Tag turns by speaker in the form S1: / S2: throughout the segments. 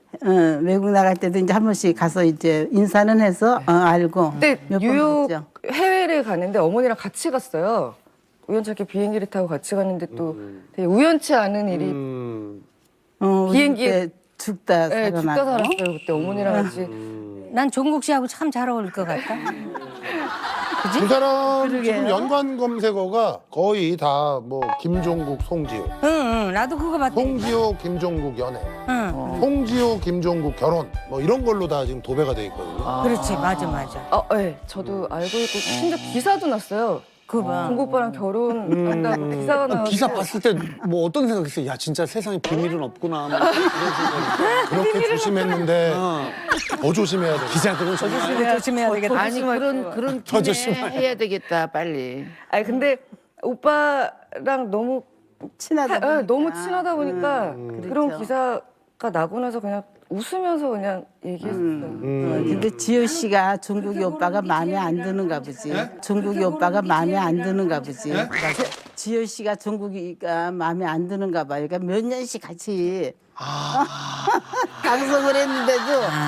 S1: 외국 나갈 때도 이제 한 번씩 가서 이제 인사는 해서 알고.
S2: 근데
S1: 몇 번
S2: 뉴욕
S1: 갔죠.
S2: 해외를 가는데 어머니랑 같이 갔어요. 우연찮게 비행기를 타고 같이 갔는데 또 되게 우연치 않은 일이 비행기에
S1: 죽다
S2: 네, 죽다
S1: 살아나고.
S2: 살았어요. 그때 어머니랑 같이.
S3: 난 종국 씨하고 참 잘 어울릴 것 같다.
S4: 두 사람 지금
S1: 그러게요.
S4: 연관 검색어가 거의 다 뭐 김종국, 송지효,
S3: 응, 나도 그거 봤대.
S4: 송지효, 김종국 연애, 송지효, 김종국 결혼 뭐 이런 걸로 다 지금 도배가 돼 있거든요.
S3: 그렇지, 맞아.
S2: 네, 저도 알고 있고 심지어 기사도 났어요.
S3: 그거 봐.
S2: 종국 오빠랑 결혼한다고 기사가 나왔어요.
S5: 기사 봤을 때 뭐 어떤 생각했어요? 야 진짜 세상에 비밀은 없구나. 뭐 이런 생각이.
S4: 그렇게 조심했는데 더 조심해야 돼.
S5: 기자들은 정말
S3: 조심해야 되겠다.
S6: 아니 그런
S5: 더
S6: 김에
S5: 조심해야
S6: 해야 되겠다 빨리.
S2: 아니 근데 오빠랑 너무
S1: 친하다 보니까.
S2: 너무 친하다 보니까 그런
S1: 그렇죠.
S2: 기사가 나고 나서 그냥 웃으면서 그냥 얘기했어요.
S1: 근데 지효 씨가 종국이 오빠가 마음에 안 드는가 보지. 종국이 오빠가 마음에 안 드는가 보지. 지효 씨가 종국이가 마음에 안 드는가 봐. 그러니까 몇 년씩 같이 방송을 했는데도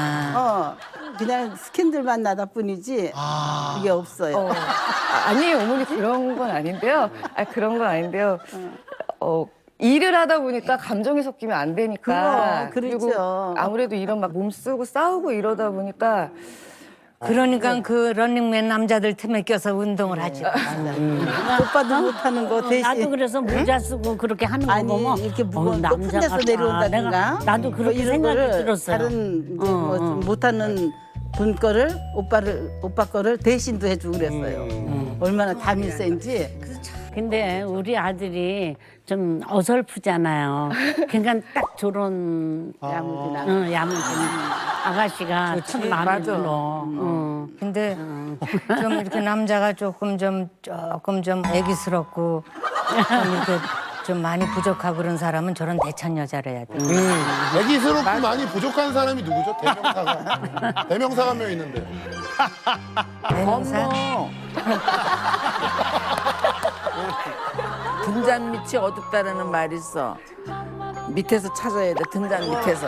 S1: 그냥 스캔들만 나다 뿐이지 그게 없어요.
S2: 아니에요, 어머니 그런 건 아닌데요. 그런 건 아닌데요. 일을 하다 보니까 감정이 섞이면 안 되니까.
S1: 그렇죠.
S2: 그리고 아무래도 이런 막 몸쓰고 싸우고 이러다 보니까
S3: 그러니까 그 런닝맨 남자들 틈에 껴서 운동을 하지.
S1: 오빠도 못하는 거 대신.
S3: 나도 그래서 모자 쓰고 그렇게 하는 거
S1: 아니
S3: 보면
S1: 이렇게 무거운
S3: 남자
S1: 높은 데서
S3: 같다.
S1: 내려온다든가
S3: 나도 그렇게
S1: 이런
S3: 생각이
S1: 거를
S3: 들었어요.
S1: 다른 이제 뭐좀 못하는 분 거를 오빠 거를 대신도 해주고 그랬어요. 얼마나 담이 센지.
S3: 근데 우리 아들이 좀 어설프잖아요. 그러니까 딱 저런
S1: 야무지나.
S3: 야무진 아가씨가 참 마음에 들어. 근데 좀 이렇게 남자가 조금 좀 애기스럽고 좀 이렇게 좀 많이 부족하고 그런 사람은 저런 대찬 여자를 해야 돼.
S4: 애기스럽고 많이 부족한 사람이 누구죠? 대명사가. 대명사가 한 명 있는데.
S3: 대명사?
S6: 등잔 밑이 어둡다라는 말이 있어. 밑에서 찾아야 돼. 등잔 밑에서.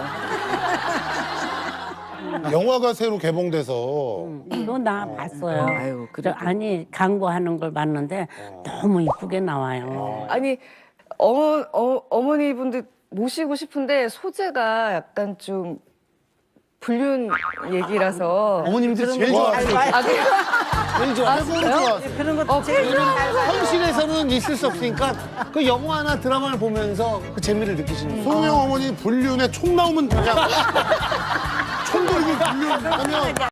S4: 영화가 새로 개봉돼서
S3: 너 나 봤어요.
S6: 아유, 그래도.
S3: 아니 광고하는 걸 봤는데 너무 이쁘게 나와요.
S2: 아니 어머니분들 모시고 싶은데 소재가 약간 좀 불륜 얘기라서
S5: 어머님들 제일 좋아하세요. 제일 좋아하세요.
S2: 진짜요?
S1: 그런 것도 제일
S5: 현실에서는 있을 수 없으니까 그 영화나 드라마를 보면서 그 재미를 느끼시는 거예요.
S4: 소영 어머니 불륜에 총 나오면 그냥 총 들고 불륜하면